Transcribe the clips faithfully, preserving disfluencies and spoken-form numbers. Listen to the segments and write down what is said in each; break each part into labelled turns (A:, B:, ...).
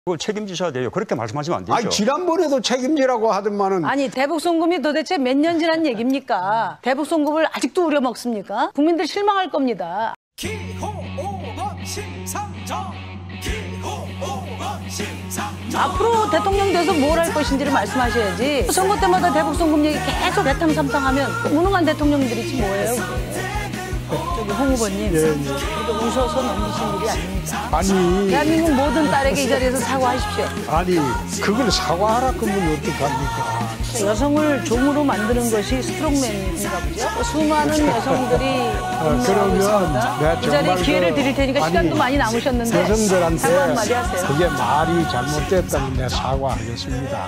A: 그걸 책임지셔야 돼요. 그렇게 말씀하시면 안 되죠.
B: 아니, 지난번에도 책임지라고 하더만은.
C: 아니, 대북송금이 도대체 몇 년 지난 얘기입니까? 대북송금을 아직도 우려먹습니까? 국민들 실망할 겁니다.
D: 기호 오 번 심상정 기호 오 번 심상정.
C: 앞으로 대통령 돼서 뭘 할 것인지를 말씀하셔야지. 선거 때마다 대북송금 얘기 계속 대탕삼탕하면 무능한 대통령들이지 뭐예요, 그게. 저기 홍 후보님,
B: 예, 예.
C: 그래도 웃어서 넘기신 일이 아닙니다.
B: 아니,
C: 대한민국 모든 딸에게 이 자리에서 사과하십시오.
B: 아니, 그걸 사과하라 그러면 어떡합니까?
C: 여성을 종으로 만드는 것이 스트롱맨인가 보죠. 수많은 여성들이
B: 어, 그러면 내가
C: 이 자리에
B: 정말
C: 기회를
B: 그-
C: 드릴 테니까
B: 아니,
C: 시간도 많이 남으셨는데
B: 여성들한테
C: 사과 한마디 하세요.
B: 그게 말이 잘못됐다면 내가 사과하겠습니다.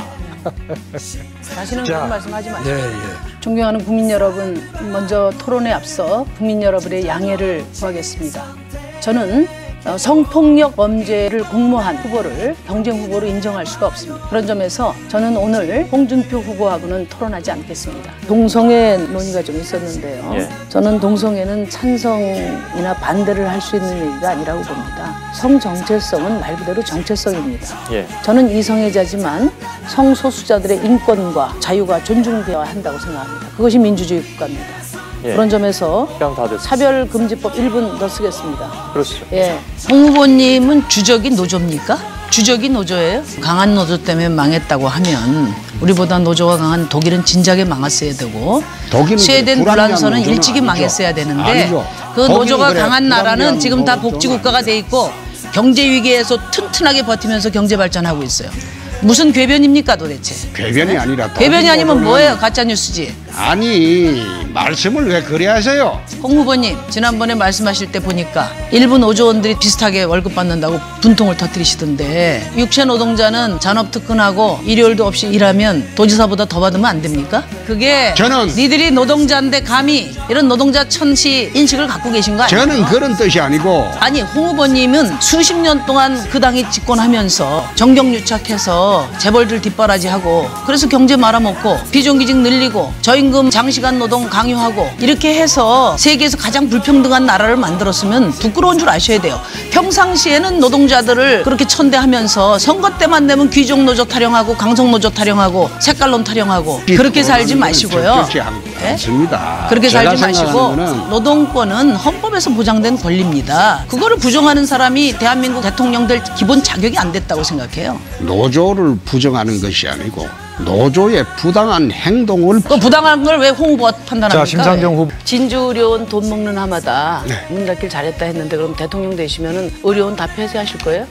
C: 다시는
B: 자,
C: 그런 말씀하지 마시고.
B: 예, 예.
C: 존경하는 국민 여러분, 먼저 토론에 앞서 국민 여러분의 양해를 구하겠습니다. 저는 어, 성폭력 범죄를 공모한 후보를 경쟁 후보로 인정할 수가 없습니다. 그런 점에서 저는 오늘 홍준표 후보하고는 토론하지 않겠습니다. 동성애 논의가 좀 있었는데요.
A: 예.
C: 저는 동성애는 찬성이나 반대를 할 수 있는 얘기가 아니라고 봅니다. 성정체성은 말 그대로 정체성입니다.
A: 예.
C: 저는 이성애자지만 성소수자들의 인권과 자유가 존중되어야 한다고 생각합니다. 그것이 민주주의 국가입니다.
A: 예.
C: 그런 점에서
A: 시간 다 됐습니다.
C: 차별금지법 일 분 더 쓰겠습니다.
A: 그렇죠.
C: 예. 홍 후보님은 주적이 노조입니까? 주적이 노조예요? 강한 노조 때문에 망했다고 하면 우리보다 노조가 강한 독일은 진작에 망했어야 되고
B: 독일은
C: 스웨덴
B: 그래, 불합리한
C: 불란서는
B: 노조는
C: 일찍이
B: 아니죠.
C: 망했어야 되는데
B: 아니죠.
C: 그
B: 독일은
C: 노조가
B: 그래,
C: 강한 나라는
B: 불합리한
C: 지금 다
B: 노조는
C: 복지국가가
B: 아니죠.
C: 돼 있고 경제 위기에서 튼튼하게 버티면서 경제 발전하고 있어요. 무슨 궤변입니까 도대체?
B: 궤변이 아니라
C: 궤변이 아니면
B: 노조는-
C: 뭐예요? 가짜뉴스지.
B: 아니, 말씀을 왜 그래 하세요?
C: 홍 후보님, 지난번에 말씀하실 때 보니까 일부 노조원들이 비슷하게 월급 받는다고 분통을 터뜨리시던데 육체 노동자는 잔업특근하고 일요일도 없이 일하면 도지사보다 더 받으면 안 됩니까? 그게
B: 저는-
C: 니들이 노동자인데 감히 이런 노동자 천시 인식을 갖고 계신 거 아니에요?
B: 저는 그런 뜻이 아니고
C: 아니, 홍 후보님은 수십 년 동안 그 당이 집권하면서 정경유착해서 재벌들 뒷바라지하고 그래서 경제 말아먹고 비정규직 늘리고 저임금 장시간 노동 강요하고 이렇게 해서 세계에서 가장 불평등한 나라를 만들었으면 부끄러운 줄 아셔야 돼요. 평상시에는 노동자들을 그렇게 천대하면서 선거 때만 되면 귀족노조 타령하고 강성노조 타령하고 색깔론 타령하고 그렇게 살지 마시고요.
B: 적절치 않-
C: 예?
B: 않습니다.
C: 그렇게
B: 제가
C: 살지 마시고
B: 생각하는 거는
C: 노동권은 헌법에서 보장된 권리입니다. 그거를 부정하는 사람이 대한민국 대통령 될 기본 자격이 안 됐다고 생각해요.
B: 노조를 부정하는 것이 아니고 노조의 부당한 행동을
C: 그 부당한 걸 왜 홍 후보가 판단합니까?
A: 자, 심상정 후보.
C: 진주 의료원 돈 먹는 하마다
B: 네.
C: 문 닫길 잘했다 했는데 그럼 대통령 되시면은 의료원 다 폐쇄하실 거예요?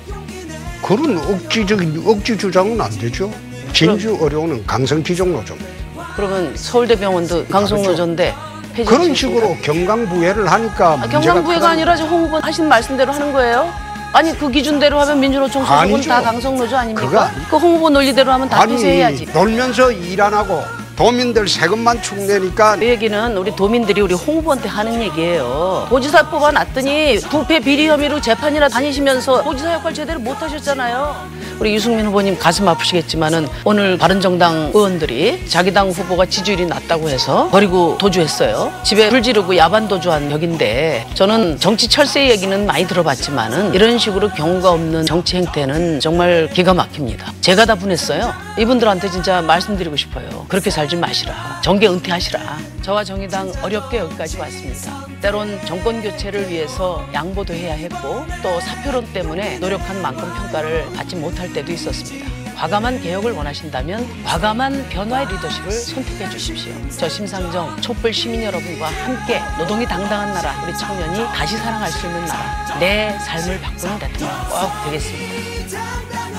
B: 그런 억지적인 억지 주장은 안 되죠. 진주 의료원은 강성기종 노조입니다.
C: 그러면 서울대병원도 강성노조인데 폐지.
B: 그런 식으로 경강부회를 하니까
C: 아,
B: 문제가
C: 경강부회가
B: 크다.
C: 아니라 지금 홍 후보 하신 말씀대로 하는 거예요? 아니 그 기준대로 하면 민주노총 소속은
B: 아니죠.
C: 다 강성노조 아닙니까?
B: 그거 아니-
C: 그 홍 후보 논리대로 하면 다
B: 아니
C: 폐쇄해야지.
B: 놀면서 일 안 하고 도민들 세금만 축내니까
C: 이 얘기는 우리 도민들이 우리 홍 후보한테 하는 얘기예요. 도지사 뽑아놨더니 부패 비리 혐의로 재판이나 다니시면서 도지사 역할 제대로 못하셨잖아요. 우리 유승민 후보님 가슴 아프시겠지만은 오늘 바른정당 의원들이 자기 당 후보가 지지율이 낮다고 해서 버리고 도주했어요. 집에 불 지르고 야반 도주한 격인데 저는 정치 철새 얘기는 많이 들어봤지만은 이런 식으로 경우가 없는 정치 행태는 정말 기가 막힙니다. 제가 다 분했어요. 이분들한테 진짜 말씀드리고 싶어요. 그렇게 살지 마시라. 정계 은퇴하시라. 저와 정의당 어렵게 여기까지 왔습니다. 때론 정권 교체를 위해서 양보도 해야 했고 또 사표론 때문에 노력한 만큼 평가를 받지 못할 때도 있었습니다. 과감한 개혁을 원하신다면 과감한 변화의 리더십을 선택해 주십시오. 저 심상정 촛불 시민 여러분과 함께 노동이 당당한 나라, 우리 청년이 다시 살아갈 수 있는 나라, 내 삶을 바꾸는 대통령 꼭 되겠습니다.